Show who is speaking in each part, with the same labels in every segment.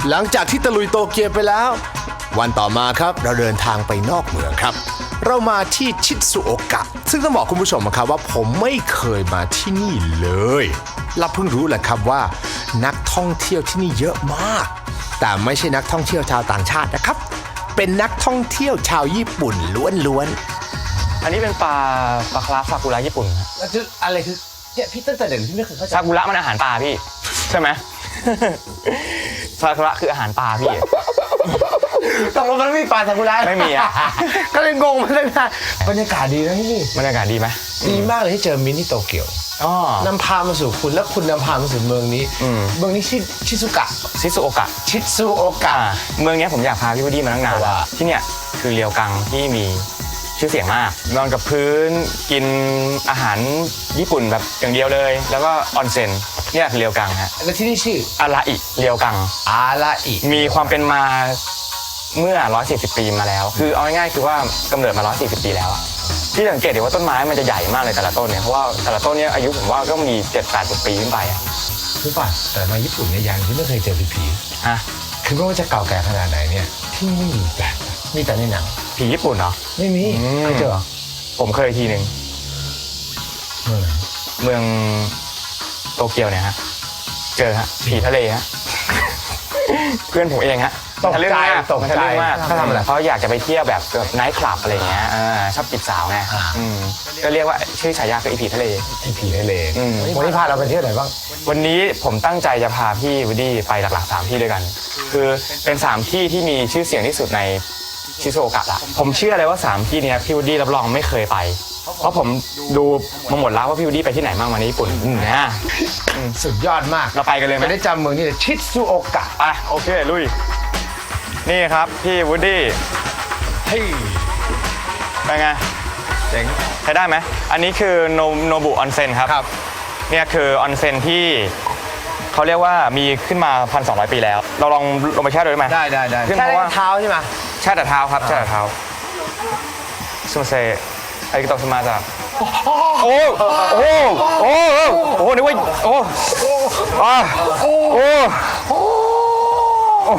Speaker 1: หลังจากที่ตะลุยโตเกียวไปแล้ววันต่อมาครับเราเดินทางไปนอกเมืองครับเรามาที่ชิซุโอกะซึ่งต้องบอกคุณผู้ชมครับว่าผมไม่เคยมาที่นี่เลยเราเพิ่งรู้แหละครับว่านักท่องเที่ยวที่นี่เยอะมากแต่ไม่ใช่นักท่องเที่ยวชาวต่างชาตินะครับเป็นนักท่องเที่ยวชาวญี่ปุ่นล้วนๆ
Speaker 2: อันนี้เป็นปลาคาราซากุระญี่ปุ่นครับ
Speaker 1: แล้วคืออะไรคือเนี่ยพี่ตั้งแต่เด็กพี่ไม่เคยเข้าใจ
Speaker 2: ซากุระมันอาหารปลาพี่ใช่ไหม ซากุระคืออาหารปลาพี่
Speaker 1: ตกลงมันไม่มีปลาซากุระ
Speaker 2: ไม่มีอะ
Speaker 1: ก็เลยงงมาเลยนะบรรยากาศดีนะที่นี่
Speaker 2: บรรยากาศดีไหม
Speaker 1: ดีมากเลยที่เจอมินที่โตเกียว
Speaker 2: อ๋อน
Speaker 1: ำพามาสู่คุณและคุณนำพามาสู่เมืองนี้เมืองนี้ชื่อชิซุกะ
Speaker 2: ชิซุโอกะ
Speaker 1: ชิซุโอกะ
Speaker 2: เมืองนี้ผมอยากพาพี่วดดี้มาตั้งนาน
Speaker 1: ว่า
Speaker 2: ที่เนี่ยคือเรียวกังที่มีชื่อเสียงมากนอนกับพื้นกินอาหารญี่ปุ่นแบบอย่างเดียวเลย แล้วก็ออนเซ็นเนี่ยคือเรียวกังฮะ
Speaker 1: และที่นี่ชื่อ
Speaker 2: อาราอิเรียวกัง
Speaker 1: อาราอิ
Speaker 2: มีความเป็นมาเมื่อ 140 ปีมาแล้ว คือเอาง่ายๆคือว่ากำเนิดมา 140 ปีแล้วอะที่สังเกตเห็นว่าต้นไม้มันจะใหญ่มากเลยแต่ละต้นเนี่ย เพราะว่าแต่ละต้นเนี่ยอายุผมว่าก็มี 7-80 ปีขึ้นไปอะ
Speaker 1: รู้ป่ะแต่มาญี่ปุ่นเนี่ยยังที่ไม่เคยเจอผี
Speaker 2: ฮะ
Speaker 1: คือไม่ว่าจะเก่าแก่ขนาดไหนเนี่ยที่นี่ไม่มีแบบมีแต่ในหนัง
Speaker 2: ผีญี่ปุ่นเหรอ
Speaker 1: ไม่มีเคยเจอเหรอ
Speaker 2: ผมเคยทีหนึ่ง
Speaker 1: เมืองไหน
Speaker 2: เมืองโตเกียวเนี่ยฮะ เจอฮะผีทะเลฮะ เพื่อนผมเองฮะ
Speaker 1: ตกใจ
Speaker 2: ทะลึ่งมาก
Speaker 1: ตกใจ
Speaker 2: ทะลึ่งมาก
Speaker 1: เขาทำอะไร
Speaker 2: เขาอยากจะไปเที่ยวแบบไนท์คลับอะไรอย่างเงี้ยชอบจีบสาวไงก็เรียกว่าชื่อฉายาคือไอผีทะเล
Speaker 1: ไอ้ผีทะเล
Speaker 2: อืม
Speaker 1: วันนี้พาเราไปเที่ยวไหนบ้าง
Speaker 2: วันนี้ผมตั้งใจจะพาพี่วูดดี้ไปหลักๆ3ที่ด้วยกัน คือเป็น3ที่ที่มีชื่อเสียงที่สุดในชิซุโอกะละผมเชื่อเลยว่า3ที่เนี้ยพี่วูดดี้รับรองไม่เคยไป เพราะผมดูมาหมดแล้วว่าพี่วูดดี้ไปที่ไหนบ้างมาในญี่ปุ่นนะ
Speaker 1: สุดยอดมาก
Speaker 2: เราไปกันเลยไหม
Speaker 1: จะได้จำเมืองนี้เลยชิซุโอกะ
Speaker 2: ไปโอเคลุยนี่ครับพี่วูดดี้
Speaker 1: เฮ้ย
Speaker 2: เป็นไง
Speaker 1: เจ๋ง
Speaker 2: ใช้ได้ไหมอันนี้คือโนบุออนเซ็นครับ
Speaker 1: ครับ
Speaker 2: เนี่ยคือออนเซ็นที่เขาเรียกว่ามีขึ้นมา 1,200 ปีแล้ว เราลองลงไปแช่ดูได้ไหม
Speaker 1: ได้
Speaker 2: ขึ้น
Speaker 1: แค่
Speaker 2: เพราะว่า
Speaker 1: เท้าใช่ไหม
Speaker 2: แช่แต่เท้าครับแช่แต่เท้าซูเซไอ้กระตอกสมาจ้ะโอ้โอ้โอ้โอ้นึกว่าโอ้โอ้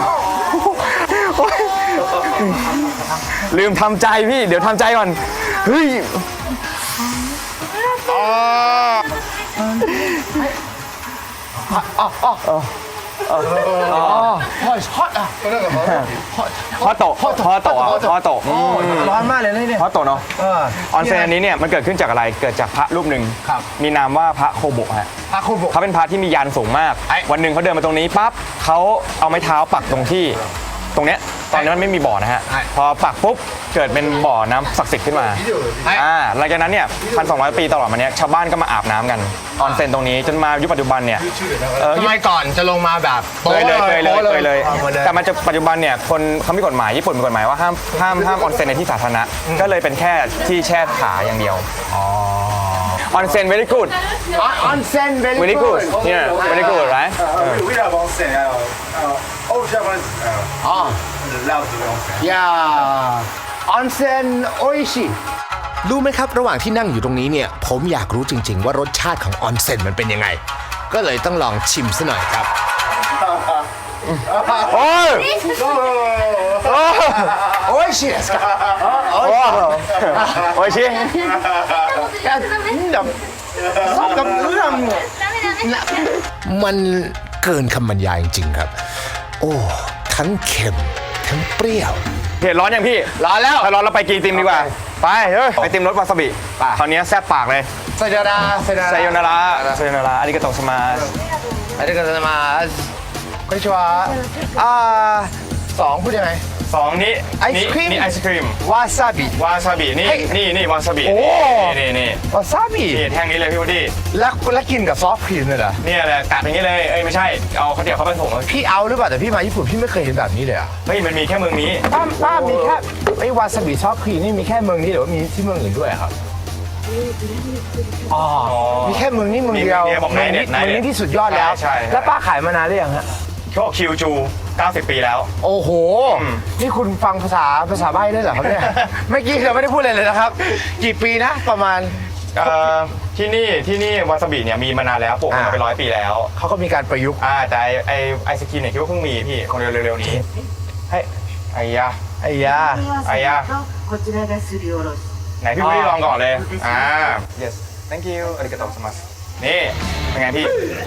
Speaker 2: ลืมทำใจพี่เดี๋ยวทำใจก่อนเฮ้ยฮอตโต
Speaker 1: ร้อนมากเลยเนี่ย
Speaker 2: ฮอตโตเนาะออนเซ็นอันนี้เนี่ยมันเกิดขึ้นจากอะไรเกิดจากพระรูปหนึ่ง
Speaker 1: ครับ
Speaker 2: มีนามว่าพระโคโบะฮะ
Speaker 1: พาคุณบุก
Speaker 2: เขาเป็นพระที่มียานสูงมาก วันหนึ่งเขาเดินมาตรงนี้ปั๊บเขาเอาไม้เท้าปักตรงที่ตรงเนี้ยตอนนั้นมันไม่มีบ่อนะฮะพอปักปุ๊บเกิดเป็นบ่อน้ำศักดิ์สิทธิ์ขึ้นมาหลังจากนั้นเนี่ย1,200 ปีตลอดมาเนี้ยชาวบ้านก็มาอาบน้ำกันออนเซ็นตรงนี้จนมายุคปัจจุบันเนี่ย
Speaker 1: ทำไมก่อนจะลงมาแบบ
Speaker 2: เคยเลย แต่
Speaker 1: แต่
Speaker 2: มันจะปัจจุบันเนี่ยคนเขามีกฎหมายญี่ปุ่นมีกฎหมายว่าห้ามออนเซ็นในที่สาธารณะก็เลยเป็นแค่ที่แช่ขาอย่างเดียวออนเซ็น very good
Speaker 1: ออนเซ็น
Speaker 2: very good yeah very good right
Speaker 3: We love onsen. All Japanese love the onsen.
Speaker 1: อย่าออนเซ็นโออิชิรู้ไหมครับระหว่างที่นั่งอยู่ตรงนี้เนี่ยผมอยากรู้จริงๆว่ารสชาติของออนเซ็นมันเป็นยังไง ก็เลยต้องลองชิมซะหน่อยครับ
Speaker 2: โอ้ย
Speaker 1: โออิชิですか
Speaker 2: โอ้ยชิ
Speaker 1: มันเกินคำบรรยายจริงๆครับ โอ้ทั้งเค็มทั้งเปรี้ยว
Speaker 2: เผ็ดร้อนยังพี่
Speaker 1: ร้อนแล้ว
Speaker 2: ถ้าร้อนเราไปกินไอติมดีกว่า ไปเฮ้ยไอติมรสวาซาบิ
Speaker 1: ไป
Speaker 2: คราวนี้แซ่บปากเลย
Speaker 1: ไซโยนา
Speaker 2: ไซโยนาระไซโยนาระอาริกาโตะสมาส
Speaker 1: ありがとうございますこんにちはสองพูดยังไง
Speaker 2: 2นี้
Speaker 1: ไอศกรีม
Speaker 2: นี่ไอศครีม
Speaker 1: วาซาบิ
Speaker 2: วาซาบินี่
Speaker 1: เฮ้ย
Speaker 2: นี่วาซาบิ
Speaker 1: โอ้
Speaker 2: นี่
Speaker 1: วาซาบิ
Speaker 2: แท่งนี้เลยพี่วดดี้
Speaker 1: แล้วกินกับซอฟต์ครีมเลยเหรอ
Speaker 2: เนี่ยแหละกัดอย่างนี้เลยเอ้ยไม่ใช่เอาข้าวเตี๋ยวเข้าไปผง
Speaker 1: พี่เอาหรือเปล่าแต่พี่มาญี่ปุ่นพี่ไม่เคยเห็นแบบนี้เลยอ่ะ
Speaker 2: เฮ้ยมันมีแค่เมืองนี้
Speaker 1: ป้ามีแค่ไอ้วาซาบิซอฟต์ครีมนี่มีแค่เมืองนี้หรือว่ามีที่เมืองอื่นด้วยครับอ๋อมีแค่เมืองนี้เมืองเดียว
Speaker 2: บอกไหนเนี่ย
Speaker 1: เมืองนี้ที่สุดยอดแล้ว
Speaker 2: ใช่
Speaker 1: แล้วป้าขายมานานหรือยังฮะ
Speaker 2: เขาบอกคิวจู90 ปีแล้ว
Speaker 1: โอ้โห นี่คุณฟังภาษาใบ้ได้เหรอครับเนี่ย เมื่อกี้เราไม่ได้พูดเลยนะครับ กี่ปีนะประมาณ
Speaker 2: ที่นี่วาซาบิเนี่ยมีมานานแล้วปลูกมาเป็น100 ปีแล้ว
Speaker 1: เขาก็มีการประยุกต์
Speaker 2: แต่ไอศครีมเนี่ยคิดว่าเพิ่งมีพี่คงเร็วๆนี้ให้ไอ้ยา
Speaker 1: ไอ้ยา
Speaker 2: ไอ้ยา
Speaker 4: こちらがすりおろし。
Speaker 2: ไหนพี่ไม่ได้ลองก่อนเลยyes thank you อาริกาโตะสมัสนี่เป็นไงพี่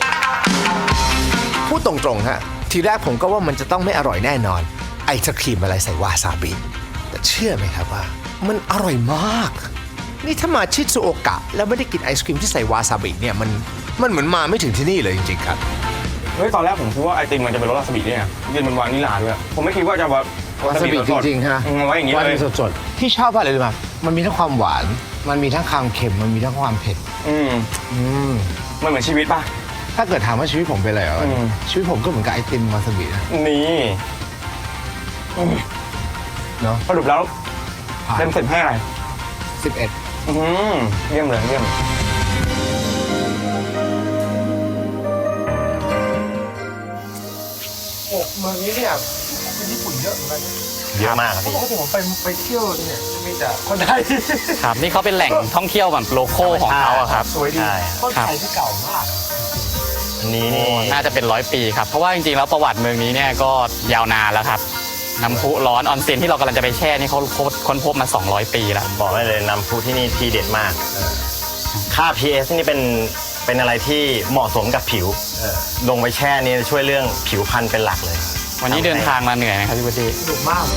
Speaker 1: พูดตรงๆฮะทีแรกผมก็ว่ามันจะต้องไม่อร่อยแน่นอนไอศครีมอะไรใส่วาซาบิแต่เชื่อไหมครับว่ามันอร่อยมาก นี่ถ้ามาชิซุโอกะแล้วไม่ได้กินไอศครีมที่ใส่วาซาบิเนี่ยมันเหมือนมาไม่ถึงที่นี่เลยจริงๆครับ
Speaker 2: เฮ้ยตอนแรกผมคิดว่าไอติมมันจะเป็นรสวาซาบิเนี่ยยืนบนวานิลลาด้วยผมไม่คิดว่าจะว่าวาซาบิจริงๆฮะไว้อย่างนี้เลย
Speaker 1: สดๆที่ชอบอะไรรู้ไหมมันมีทั้งความหวานมันมีทั้งความเค็มมันมีทั้งความเผ็ด
Speaker 2: มันเหมือนชีวิตป่ะ
Speaker 1: ถ้าเกิดถามว่าชีวิตผมเป็นอะไรเหรอ
Speaker 2: อืม
Speaker 1: ชีวิตผมก็เหมือนกับไอติมวาซาบินะ
Speaker 2: นี่
Speaker 1: เนาะ
Speaker 2: สรุปแล้วเต็ม10ให้อะไร
Speaker 1: 11
Speaker 2: เยี่ยมเลยเยี่ยม
Speaker 1: เมืองนี้เนี่ยคนญี่ปุ่นเยอะเหมือนกัน
Speaker 5: เยอะมากครับ
Speaker 1: ป
Speaker 5: พี่
Speaker 1: กติผมไปเที่ยวเนี่ยจะมีแต่คนไทย
Speaker 5: ครับนี่เขาเป็นแหล่งท่องเที่ยวแบบโลโก้ของเขาอะครับ
Speaker 1: สวยดี
Speaker 5: ใช่
Speaker 1: ต้นไทยที่เก่ามาก
Speaker 5: อันนี้นี่น่าจะเป็น100 ปีครับเพราะว่าจริงๆแล้วประวัติเมืองนี้เนี่ยก็ยาวนานแล้วครับน้ำพุร้อนออนเซ็นที่เรากำลังจะไปแช่นี่เขาค้นพบมา200 ปีแล้ว
Speaker 6: บอกได้เลยน้ำพุที่นี่ทีเด็ดมาก ค่า pH นี่เป็นอะไรที่เหมาะสมกับผิว ลงไปแช่นี่ช่วยเรื่องผิวพรรณเป็นหลักเลย
Speaker 5: วันนี้เดินทางมาเหนื่อยไหมครับพี่พุทธิ
Speaker 1: สนุกมาก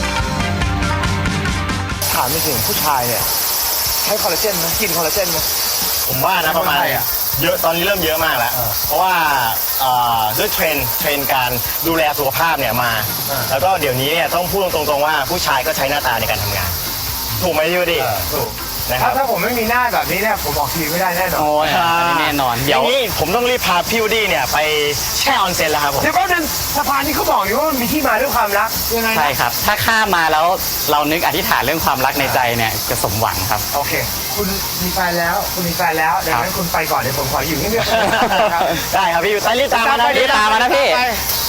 Speaker 1: ถามจริงๆผู้ชายเนี่ยใช้คอลลาเจนไหมกินคอลลาเจนไหม
Speaker 6: ผมว่านะประมาณ
Speaker 1: คนไทยอะ
Speaker 6: เยอะตอนนี้เริ่มเยอะมากแล้ว เพราะว่าด้วยเทรนด์การดูแลสุขภาพเนี่ยมา แล้วก็เดี๋ยวนี้เนี่ยต้องพูดตรงๆว่าผู้ชายก็ใช้หน้าตาในการทำงาน ถูกไหมยูดิถูกนะครับ
Speaker 1: ถ้าผมไม่มีหน้าแบบนี้เนี่ยผมออกทีวีไม่ได้แน่นอน
Speaker 5: โอ้ยอันนี้แน่นอน
Speaker 6: อ
Speaker 5: เดี๋ยว
Speaker 6: ย่างนี้ผมต้องรีบพาพี่วูดดี้เนี่ยไปแช่ออนเซ็นแล้วครับผม
Speaker 1: เดี๋ยวแป๊บนึงสะพานที่เขาบอกอยู่ว่ามันมีที่มาด้วยความรักยังไงนะ
Speaker 5: ใช่ครับ ถ้าข้ามมาแล้วเรานึกอธิษฐานเรื่องความรักในใจเนี่ยจะสมหวังครับ
Speaker 1: โอเค คุณมีแฟนแล้วคุณมีแฟนแล้วดังนั้นคุณไปก่อนเดี๋ยวผมขออยู่นี่เดียวๆครับ
Speaker 6: ได้ครับพี่รีบตามมานะ
Speaker 5: รีบตามมานะพี่
Speaker 1: ไป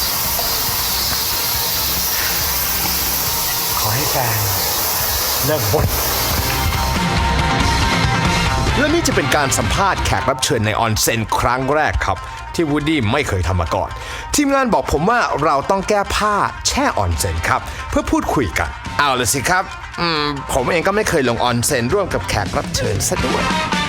Speaker 1: ขอให้แฟนเลิกบ่นและนี่จะเป็นการสัมภาษณ์แขกรับเชิญในออนเซ็นครั้งแรกครับ ที่วูดดี้ไม่เคยทำมาก่อน ทีมงานบอกผมว่าเราต้องแก้ผ้าแช่ออนเซ็นครับ เพื่อพูดคุยกัน เอาเลยสิครับผมเองก็ไม่เคยลงออนเซ็นร่วมกับแขกรับเชิญซะด้วย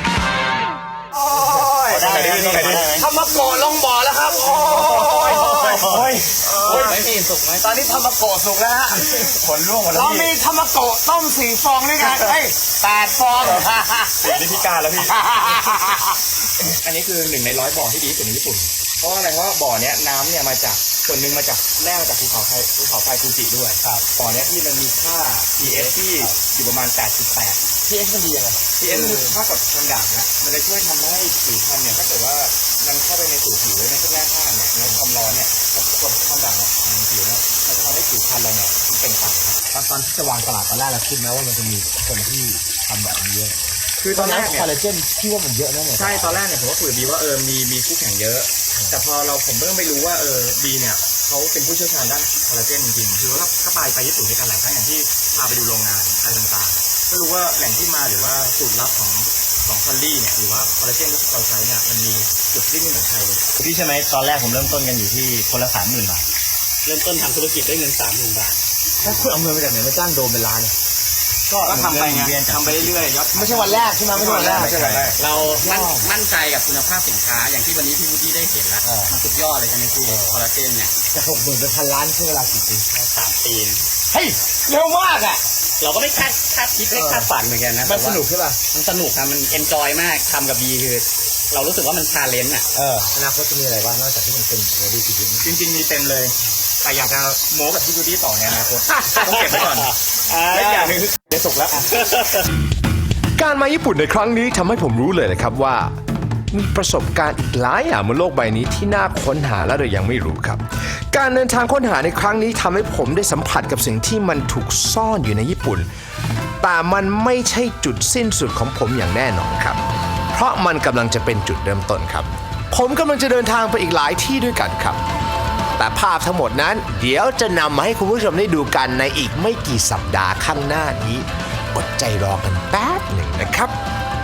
Speaker 6: ได้ครับพี่
Speaker 1: ทำมาโกะลงบ่อแล้วครับ โอ้ย
Speaker 5: พี่สุกไหม
Speaker 1: ตอนนี้ทำมาโกะสุกแล้วฮะ
Speaker 6: ผลร่วงหมดแล้ว
Speaker 1: เรา
Speaker 6: พี่
Speaker 1: มีทำมาโกะต้ม4 ฟองด้วยกัน8 ฟอง
Speaker 2: สีนี่พิการแล้วพี่ อันนี้คือ1 ใน 100 บ่อที่ดีที่สุดในญี่ปุ่น เพราะอะไรเพราะว่าบ่อเนี้ยน้ำเนี่ยมาจากส่วนหนึ่งมาจากแร่มาจากภูเขาไฟฟูจิด้วยครับบ่อเนี้ยที่มันมีค่า pH ที่อยู่ประมาณ 8.8 pH มันดียังไง pH มันคือค่ากับทางด่างนะมันจะช่วยทำให้ผิวพรรณเนี่ยถ้าเกิดว่ามันเข้าไปในสู่ผิวในช่วงแรกธาตุเนี่ยแล้วความร้อนเนี่ยกับความด่างเนี่ยของผิวเนี่ยมันจะทำให้ผิวพรรณเราเนี่ยมันเปล่งปลั่งครับ
Speaker 1: ตอนที่จะวางตลาดตอนแรกเราคิดนะว่ามันจะมีคนที่ทำแบบนี้เยอะ
Speaker 2: คือตอนแรกเนี่ย
Speaker 1: คอลลาเจนที่ว่ามันเยอะนะเนี่ย
Speaker 2: ใช่ ตอนแรกเนี่ยผมก็คุยกับบีว่ามีคู่แข่งเยอะ แต่พอผมเริ่มไปรู้ว่าบีเนี่ยเขาเป็นผู้เชี่ยวชาญด้านคอลลาเจนจริงๆ คือว่าก็ไปญี่ปุ่นด้วยกันหลายครั้งอย่างที่พาไปดูโรงงานอะไรต่างๆ ก็รู้ว่าแหล่งที่มาหรือว่าสูตรลับของคอลลี่เนี่ยหรือว่าคอลลาเจนที่เราใช้เนี่ยมันมีจุดที่ไม่เหมือนใครเลย
Speaker 6: พี่ใช่ไหมตอนแรกผมเริ่มต้นกันอยู่ที่คนละ 30,000 บาท
Speaker 5: เริ่มต้นทำธุรกิจด้วยเงิน 30,000 บาท
Speaker 1: ถ้าคุณเอาเงินมาจากไหนมาจ้างโดมเป็นล้านเนี่ย
Speaker 2: ก็ทำไปไงทำไปเรื่อยๆยอด
Speaker 1: ไม่ใช่วันแรกใช่ไหมไม่ใช่วันแรก
Speaker 2: ไม่ใช่วันแรก
Speaker 5: เรามั่นใจกับคุณภาพสินค้าอย่างที่วันนี้พี่พุทธิได้เห็นแล้วมันสุดยอดเลยใช่ไหมพี่คอลลาเจนเนี่ย
Speaker 1: จะ60,000เป็น1,000 ล้านใช้เวลากี่ปี
Speaker 5: 3 ปี
Speaker 1: เฮ้ยเร็วมากอ่ะ
Speaker 5: เราก็ไม่คาดคิดไม่คาดฝันเหมือนกันนะ
Speaker 1: มันสนุกใช่ป่ะ
Speaker 5: มันสนุกครับมันเอนจอยมากทำกับบีคือ เรารู้สึกว่ามันชาเลนจ์อ่ะ
Speaker 1: อนาคตจะมีอะไรบ้างนอกจากที่มันเป็นโมเดลสียิ้ม
Speaker 2: จริงๆมีเต็มเลย แต่อยากจะโม้กับพี่บูดี้ต่อในอนาคตต้องเก็บไว้ก่อนและอีกอย่างหนึงคือเดี๋ยวสุกแล้ว การมาญี่ปุ่นในครั้งนี้ทำให้ผมรู้เลยนะครับว่า มีประสบการณ์อีกหลายอย่างบนโลกใบนี้ที่น่าค้นหาและเรายังไม่รู้ครับ การเดินทางค้นหาในครั้งนี้ทำให้ผมได้สัมผัสกับสิ่งที่มันถูกซ่อนอยู่ในญี่ปุ่น แต่มันไม่ใช่จุดสิ้นสุดของผมอย่างแน่นอนครับ เพราะมันกำลังจะเป็นจุดเริ่มต้นครับ ผมกำลังจะเดินทางไปอีกหลายที่ด้วยกันครับ แต่ภาพทั้งหมดนั้นเดี๋ยวจะนำมาให้คุณผู้ชมได้ดูกันในอีกไม่กี่สัปดาห์ข้างหน้านี้อดใจรอกันแป๊บหนึ่งนะครับ ร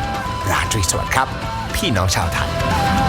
Speaker 1: ราตรีสวัสดิ์ครับ พี่น้องชาวไทย